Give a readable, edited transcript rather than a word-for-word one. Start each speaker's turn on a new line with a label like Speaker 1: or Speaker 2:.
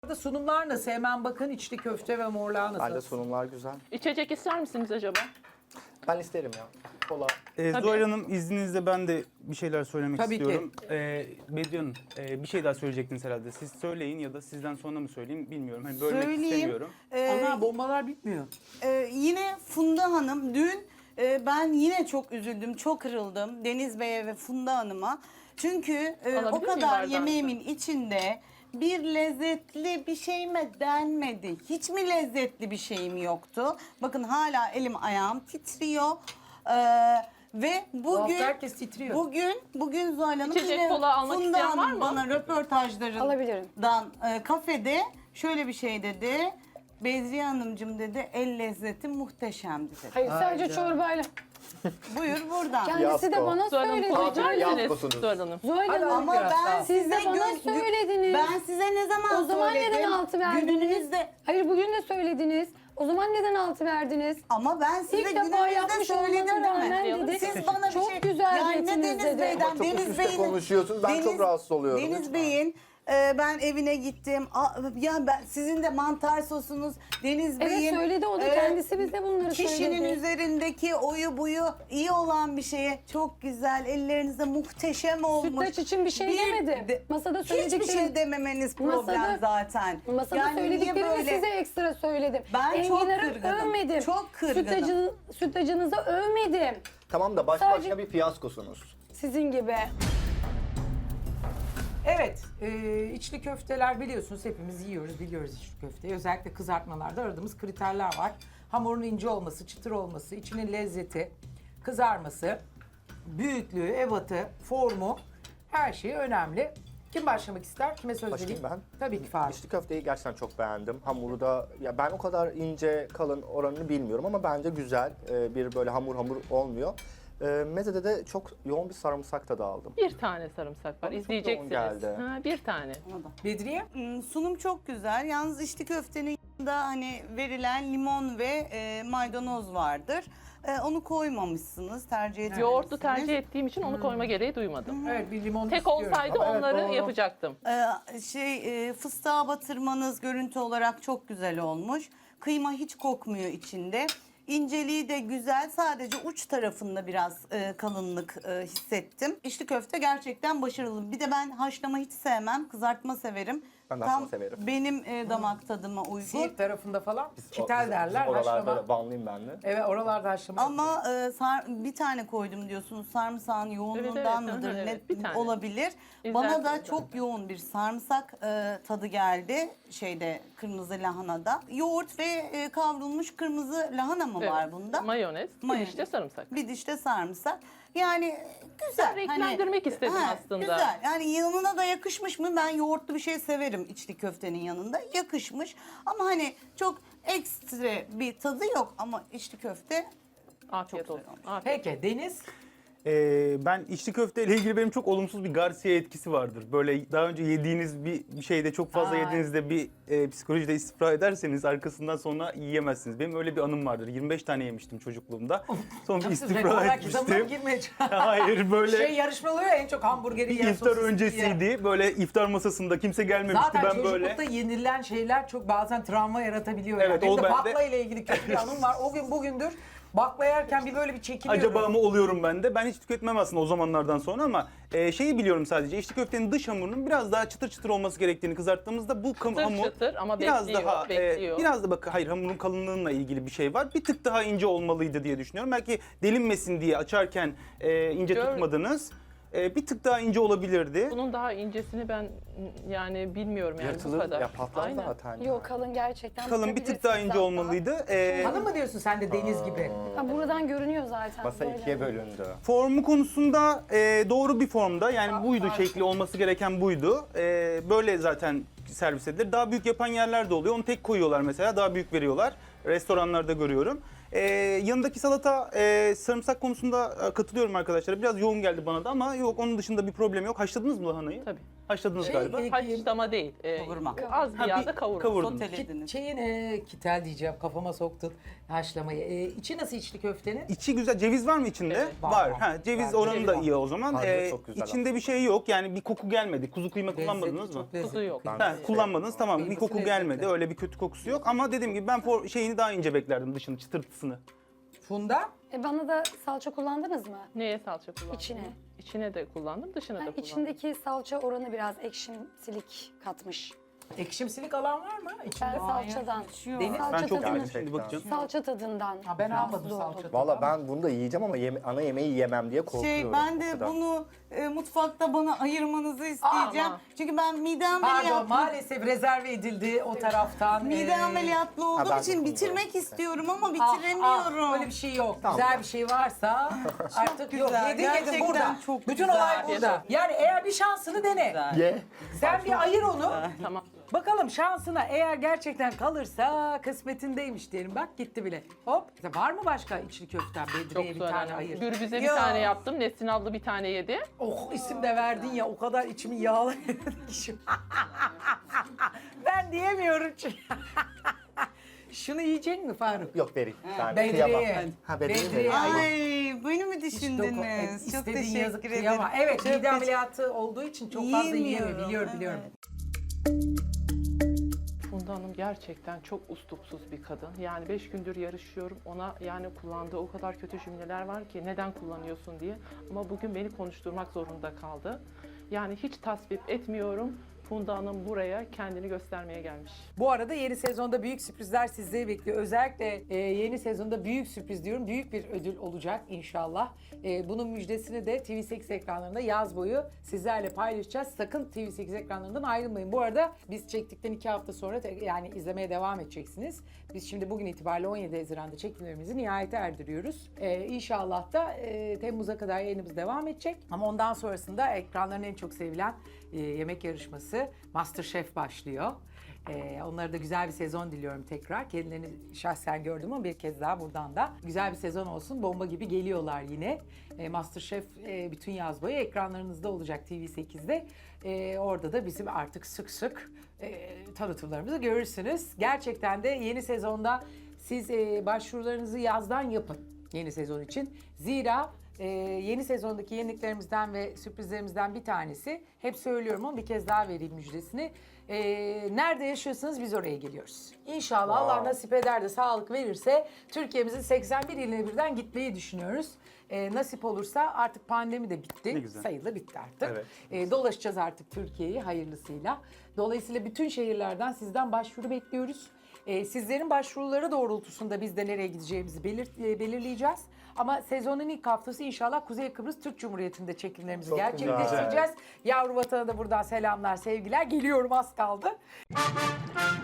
Speaker 1: Burada sunumlar nasıl? Hemen bakın, içli köfte ve morlağı nasıl?
Speaker 2: Bence sunumlar güzel.
Speaker 3: İçecek ister misiniz acaba?
Speaker 2: Ben isterim ya. Kola.
Speaker 4: Zuhal Hanım, izninizle ben de bir şeyler söylemek
Speaker 1: Tabii ki.
Speaker 4: istiyorum. Bediye Hanım, bir şey daha söyleyecektiniz herhalde. Siz söyleyin ya da sizden sonra mı söyleyeyim bilmiyorum. Hani bölmek
Speaker 5: Söyleyeyim.
Speaker 4: istemiyorum.
Speaker 1: Ana bombalar bitmiyor.
Speaker 5: Yine Funda Hanım dün ben yine çok üzüldüm, çok kırıldım Deniz Bey'e ve Funda Hanım'a. Çünkü
Speaker 3: Alabilir
Speaker 5: o
Speaker 3: miyim
Speaker 5: kadar
Speaker 3: bardağınızı?
Speaker 5: yemeğimin içinde bir lezzetli bir şey mi denmedi? Hiç mi lezzetli bir şeyim yoktu? Bakın hala elim ayağım titriyor. Ve
Speaker 1: Bu hafta
Speaker 5: bugün
Speaker 1: herkes titriyor.
Speaker 5: bugün Zuhal Hanım
Speaker 3: İçecek
Speaker 5: yine
Speaker 3: kola almak
Speaker 5: Funda
Speaker 3: isteyen var
Speaker 5: Hanım
Speaker 3: mı?
Speaker 5: bana röportajlarından
Speaker 6: Alabilirim.
Speaker 5: Kafede şöyle bir şey dedi. Bedriye Hanımcığım dedi, el lezzeti muhteşemdi dedi.
Speaker 6: Hayır sadece
Speaker 1: Ay canım.
Speaker 6: çorbayla.
Speaker 5: Buyur buradan.
Speaker 6: Kendisi de
Speaker 2: Fiyasko.
Speaker 6: bana
Speaker 3: Zuhal Hanım
Speaker 6: söyledi.
Speaker 3: kola içer misiniz?
Speaker 2: Yapmasınız.
Speaker 3: Zuhal Hanım.
Speaker 6: Zuhal
Speaker 1: Hadi
Speaker 6: Hanım,
Speaker 5: Ama
Speaker 1: biraz
Speaker 5: ben
Speaker 1: daha.
Speaker 6: siz
Speaker 5: size
Speaker 6: de bana söylediniz.
Speaker 5: Ben size ne zaman
Speaker 6: O zaman
Speaker 5: söyledim?
Speaker 6: neden altı verdiniz?
Speaker 5: Gününüzde.
Speaker 6: Hayır bugün de söylediniz. O zaman neden altı verdiniz?
Speaker 5: Ama ben size
Speaker 6: İlk defa
Speaker 5: gününüzde
Speaker 6: yapmış
Speaker 5: söyledim
Speaker 6: olmana
Speaker 5: değil mi?
Speaker 6: rağmen dedi.
Speaker 5: Siz bana bir
Speaker 6: çok
Speaker 5: şey...
Speaker 6: güzel
Speaker 5: yani ne
Speaker 6: yediniz
Speaker 5: Deniz
Speaker 6: dedi.
Speaker 5: Bey'den,
Speaker 2: Ama çok üst
Speaker 5: Deniz
Speaker 2: üste
Speaker 5: Bey'in...
Speaker 2: konuşuyorsunuz. Ben çok rahatsız oluyorum.
Speaker 5: Deniz
Speaker 2: Lütfen.
Speaker 5: Bey'in ben evine gittim. Ya ben sizin de mantar sosunuz. Deniz
Speaker 6: Evet
Speaker 5: Bey'in
Speaker 6: söyledi o da kendisi bize bunları
Speaker 5: kişinin
Speaker 6: söyledi.
Speaker 5: üzerindeki oyu buyu iyi olan bir şeye çok güzel. Ellerinize muhteşem olmuş.
Speaker 6: Sütlaç için bir şey demedim. Masada
Speaker 5: Hiçbir
Speaker 6: söylediklerim-
Speaker 5: şey dememeniz problem
Speaker 6: Masada-
Speaker 5: zaten.
Speaker 6: Masada
Speaker 5: Yani niye
Speaker 6: söylediklerimi
Speaker 5: böyle-
Speaker 6: size ekstra söyledim.
Speaker 5: Ben çok
Speaker 6: Enginar'ı
Speaker 5: kırgınım.
Speaker 6: övmedim.
Speaker 5: Çok kırgınım.
Speaker 6: Sütlacınızı övmedim.
Speaker 2: Tamam da
Speaker 6: Sadece-
Speaker 2: başka bir fiyaskosunuz.
Speaker 6: Sizin gibi.
Speaker 1: Evet, içli köfteler biliyorsunuz hepimiz yiyoruz, biliyoruz içli köfteyi. Özellikle kızartmalarda aradığımız kriterler var. Hamurun ince olması, çıtır olması, içinin lezzeti, kızarması, büyüklüğü, ebatı, formu, her şeyi önemli. Kim başlamak ister? Kime söz vereyim?
Speaker 2: Başlayayım ben.
Speaker 1: Tabii ki Faruk.
Speaker 2: İçli köfteyi gerçekten çok beğendim. Hamuru da ya ben o kadar ince kalın oranını bilmiyorum ama bence güzel. Bir böyle hamur olmuyor. Mezede de çok yoğun bir sarımsak tadı aldım.
Speaker 3: Bir tane sarımsak var.
Speaker 2: Çok
Speaker 3: İzleyeceksiniz.
Speaker 2: yoğun geldi.
Speaker 3: Ha, bir tane.
Speaker 1: Bedriye?
Speaker 5: Sunum çok güzel. Yalnız içli köftenin yanında hani verilen limon ve maydanoz vardır. Onu koymamışsınız, tercih etmemişsiniz.
Speaker 3: Yoğurtlu tercih ettiğim için onu koyma gereği duymadım.
Speaker 1: Evet, bir limon
Speaker 3: Tek
Speaker 1: istiyorum.
Speaker 3: olsaydı
Speaker 2: Ama evet,
Speaker 3: onları
Speaker 2: doğru.
Speaker 3: yapacaktım.
Speaker 5: Fıstığa batırmanız görüntü olarak çok güzel olmuş. Kıyma hiç kokmuyor içinde. İnceliği de güzel. Sadece uç tarafında biraz kalınlık hissettim. İçli köfte gerçekten başarılı. Bir de ben haşlama hiç sevmem. Kızartma severim.
Speaker 2: Ben de
Speaker 5: Tam
Speaker 2: haşlama severim.
Speaker 5: benim damak tadıma uygun.
Speaker 1: Siirt tarafında falan kitel
Speaker 2: Bizim
Speaker 1: derler,
Speaker 2: oralarda
Speaker 1: haşlama.
Speaker 2: Vanlıyım ben de.
Speaker 1: Evet, oralarda haşlama.
Speaker 5: Ama bir tane koydum diyorsunuz. Sarımsağın yoğunluğundan
Speaker 3: evet,
Speaker 5: mıdır?
Speaker 3: evet, bir tane.
Speaker 5: Olabilir.
Speaker 3: İzlersiniz
Speaker 5: Bana da
Speaker 3: zaten.
Speaker 5: çok yoğun bir sarımsak tadı geldi. Kırmızı lahanada. Yoğurt ve kavrulmuş kırmızı lahana mı
Speaker 3: Evet.
Speaker 5: var bunda?
Speaker 3: Mayonez,
Speaker 5: Mayonez.
Speaker 3: bir işte sarımsak.
Speaker 5: Bir dişte sarımsak. Yani güzel.
Speaker 3: Ben renklendirmek istedim aslında.
Speaker 5: Güzel. Yani yanına da yakışmış mı? Ben yoğurtlu bir şey severim içli köftenin yanında. Yakışmış. Ama hani çok ekstra bir tadı yok. Ama içli köfte
Speaker 3: Afiyet
Speaker 5: Çok
Speaker 3: olsun.
Speaker 5: güzel
Speaker 3: Afiyet.
Speaker 1: Peki Deniz?
Speaker 4: Ben içli köfte ile ilgili benim çok olumsuz bir Garcia etkisi vardır. Böyle daha önce yediğiniz bir şeyde çok fazla
Speaker 1: Ay.
Speaker 4: yediğinizde bir psikolojide istifra ederseniz arkasından sonra yiyemezsiniz. Benim öyle bir anım vardır. 25 tane yemiştim çocukluğumda. Sonra bir istifra
Speaker 1: Rekorlar kitabına mı
Speaker 4: etmiştim.
Speaker 1: girmeyeceğim?
Speaker 4: Hayır böyle
Speaker 1: Şey yarışma oluyor ya, en çok hamburgeri
Speaker 4: bir
Speaker 1: yiyen
Speaker 4: iftar
Speaker 1: sosis diye.
Speaker 4: öncesiydi. Böyle iftar masasında kimse gelmemişti.
Speaker 1: Zaten
Speaker 4: Ben böyle
Speaker 1: çocuklukta yenilen şeyler çok bazen travma yaratabiliyor.
Speaker 4: Evet,
Speaker 1: yani. Benim
Speaker 4: o
Speaker 1: de
Speaker 4: bende-
Speaker 1: bakla ile ilgili kötü bir anım var. O gün bugündür bakla yerken bir böyle bir çekiniyorum.
Speaker 4: acaba mı oluyorum ben de? Ben hiç tüketmem aslında o zamanlardan sonra ama şeyi biliyorum sadece. İçli köftenin dış hamurunun biraz daha çıtır çıtır olması gerektiğini kızarttığımızda bu hamur
Speaker 3: çıtır ama
Speaker 4: biraz
Speaker 3: bekliyor,
Speaker 4: daha
Speaker 3: bekliyor.
Speaker 4: biraz da bak hayır hamurun kalınlığıyla ilgili bir şey var. Bir tık daha ince olmalıydı diye düşünüyorum. Belki delinmesin diye açarken ince
Speaker 3: Gör-
Speaker 4: tutmadınız. Bir tık daha ince olabilirdi.
Speaker 3: Bunun daha incesini ben yani bilmiyorum yani bu
Speaker 2: Yırtılır
Speaker 3: kadar.
Speaker 2: ya patlar
Speaker 3: Aynen.
Speaker 2: zaten.
Speaker 6: Yok kalın gerçekten.
Speaker 4: Kalın bir tık daha ince olmalıydı.
Speaker 1: Hanım mı diyorsun sen de Deniz gibi?
Speaker 6: Buradan görünüyor zaten.
Speaker 2: Masa
Speaker 6: böyle.
Speaker 2: ikiye bölündü.
Speaker 4: Formu konusunda doğru bir formda yani buydu şekli olması gereken buydu. Böyle zaten servis edilir. Daha büyük yapan yerler de oluyor. Onu tek koyuyorlar mesela daha büyük veriyorlar. Restoranlarda görüyorum. Yanındaki salata sarımsak konusunda katılıyorum arkadaşlar. Biraz yoğun geldi bana da ama yok onun dışında bir problem yok. Haşladınız mı lahanayı?
Speaker 3: Tabii.
Speaker 4: Haşladınız galiba.
Speaker 3: Haşlama değil.
Speaker 5: Kavurma.
Speaker 3: Az bir
Speaker 4: Ha,
Speaker 3: yağda kavurma.
Speaker 4: kavurdunuz.
Speaker 5: Sotelediniz.
Speaker 1: Kitel diyeceğim, kafama soktun haşlamayı. İçi nasıl içli köftenin?
Speaker 4: İçi güzel. Ceviz var mı içinde?
Speaker 3: Evet.
Speaker 1: Var.
Speaker 4: Var. Ha, ceviz
Speaker 1: Var,
Speaker 4: oranı
Speaker 1: ceviz
Speaker 4: da
Speaker 1: var.
Speaker 4: iyi o zaman.
Speaker 2: Harcı çok güzel
Speaker 4: İçinde bir şey yok. Yani bir koku gelmedi. Kuzu kıyma kullanmadınız
Speaker 1: Lezzeti
Speaker 4: mı?
Speaker 1: çok lezzetli.
Speaker 3: Tuzu yok.
Speaker 2: Ben-
Speaker 4: Ha, kullanmadınız tamam. Bir
Speaker 1: Kıyması
Speaker 4: koku
Speaker 1: lezzetli.
Speaker 4: gelmedi. Öyle bir kötü kokusu yok. Ama dediğim gibi ben şeyini daha ince beklerdim, dışını, çıtırtısını.
Speaker 1: Funda?
Speaker 6: Bana da salça kullandınız mı?
Speaker 3: Neye salça kullandın?
Speaker 6: İçine.
Speaker 3: İçine de kullandım, dışına da
Speaker 6: Yani
Speaker 3: kullandım.
Speaker 6: içindeki salça oranı biraz ekşimsilik katmış.
Speaker 1: Ekşimsilik alan var mı içinde?
Speaker 6: Ben salçadan.
Speaker 1: Deniz?
Speaker 6: Salça
Speaker 4: Ben çok
Speaker 6: tadını-
Speaker 4: yani şimdi bakacağım.
Speaker 6: Salça tadından.
Speaker 1: Ha, ben
Speaker 6: rahatsız
Speaker 1: almadım
Speaker 6: oldum.
Speaker 1: salça.
Speaker 2: Valla ben bunu da yiyeceğim ama ana yemeği yemem diye korkuyorum.
Speaker 5: Ben
Speaker 2: o
Speaker 5: de
Speaker 2: kadar.
Speaker 5: bunu mutfakta bana ayırmanızı isteyeceğim.
Speaker 3: Ama-
Speaker 5: Çünkü ben mide
Speaker 1: Pardon,
Speaker 5: ameliyatlı.
Speaker 1: maalesef rezerve edildi o taraftan.
Speaker 5: Mide ameliyatlı olduğum
Speaker 2: ben
Speaker 5: için
Speaker 2: de
Speaker 5: bitirmek istiyorum ama
Speaker 1: Ah,
Speaker 5: bitiremiyorum.
Speaker 1: öyle bir şey yok.
Speaker 2: Tamam.
Speaker 1: Güzel bir şey varsa artık yok.
Speaker 5: güzel,
Speaker 1: Yedin
Speaker 5: gerçekten
Speaker 1: burada.
Speaker 5: çok
Speaker 1: Bütün
Speaker 5: güzel.
Speaker 1: olay burada. Yani eğer bir şansını dene.
Speaker 5: Güzel.
Speaker 2: Ye.
Speaker 1: Sen bir ayır onu.
Speaker 3: Tamam.
Speaker 1: Bakalım şansına eğer gerçekten kalırsa kısmetindeymiş diyelim. Bak gitti bile. Hop. Var mı başka içli köften?
Speaker 3: Çok
Speaker 1: Bedriye bir
Speaker 3: zor.
Speaker 1: tane
Speaker 3: Yani.
Speaker 1: ayır.
Speaker 3: Gürbüz'e bir
Speaker 5: Yok.
Speaker 3: tane yaptım. Nesrin abla bir tane yedi.
Speaker 1: Oh isim de verdin ya o kadar içimi yağladı ki şu. Ben diyemiyorum çünkü. Şunu yiyecek mi Faruk?
Speaker 2: Yok vereyim. Ben kıyamam.
Speaker 1: Bedriye.
Speaker 2: Ha Bedriye
Speaker 1: Bedriye.
Speaker 2: vereyim.
Speaker 5: Ay beni mi düşündünüz? Çok
Speaker 1: İstediğin yazık
Speaker 5: teşekkür
Speaker 1: kıyama.
Speaker 5: ederim.
Speaker 1: Evet
Speaker 5: Çok
Speaker 1: mide
Speaker 5: teşekkür-
Speaker 1: ameliyatı olduğu için çok fazla yiyemiyor.
Speaker 5: Yiyemiyorum,
Speaker 1: Biliyorum.
Speaker 3: Funda Hanım gerçekten çok ustupsuz bir kadın. Yani 5 gündür yarışıyorum. Ona yani kullandığı o kadar kötü cümleler var ki neden kullanıyorsun diye. Ama bugün beni konuşturmak zorunda kaldı. Yani hiç tasvip etmiyorum. Funda Hanım buraya kendini göstermeye gelmiş.
Speaker 1: Bu arada yeni sezonda büyük sürprizler sizleri bekliyor. Özellikle yeni sezonda büyük sürpriz diyorum. Büyük bir ödül olacak inşallah. Bunun müjdesini de TV8 ekranlarında yaz boyu sizlerle paylaşacağız. Sakın TV8 ekranlarından ayrılmayın. Bu arada biz çektikten 2 hafta sonra yani izlemeye devam edeceksiniz. Biz şimdi bugün itibariyle 17 Haziran'da çekimlerimizi nihayete erdiriyoruz. İnşallah da Temmuz'a kadar yayınımız devam edecek. Ama ondan sonrasında ekranların en çok sevilen yemek yarışması MasterChef başlıyor. Onlara da güzel bir sezon diliyorum tekrar. Kendilerini şahsen gördüm ama bir kez daha buradan da güzel bir sezon olsun. Bomba gibi geliyorlar yine. MasterChef bütün yaz boyu ekranlarınızda olacak TV8'de. Orada da bizim artık sık sık tanıtımlarımızı görürsünüz. Gerçekten de yeni sezonda siz başvurularınızı yazdan yapın yeni sezon için. Zira yeni sezondaki yeniliklerimizden ve sürprizlerimizden bir tanesi, hep söylüyorum ama bir kez daha vereyim müjdesini. Nerede yaşıyorsanız biz oraya geliyoruz. İnşallah Allah nasip eder de sağlık verirse Türkiye'mizin 81 iline birden gitmeyi düşünüyoruz. Nasip olursa artık pandemi de
Speaker 4: Ne
Speaker 1: bitti.
Speaker 4: güzel.
Speaker 1: Sayılı bitti artık.
Speaker 2: Evet.
Speaker 1: Dolaşacağız artık Türkiye'yi hayırlısıyla. Dolayısıyla bütün şehirlerden sizden başvuru bekliyoruz. Sizlerin başvuruları doğrultusunda biz de nereye gideceğimizi belirleyeceğiz. Ama sezonun ilk haftası inşallah Kuzey Kıbrıs Türk Cumhuriyeti'nde çekimlerimizi
Speaker 2: Çok
Speaker 1: gerçekleştireceğiz. Yavru vatana da buradan selamlar, sevgiler. Geliyorum az kaldı.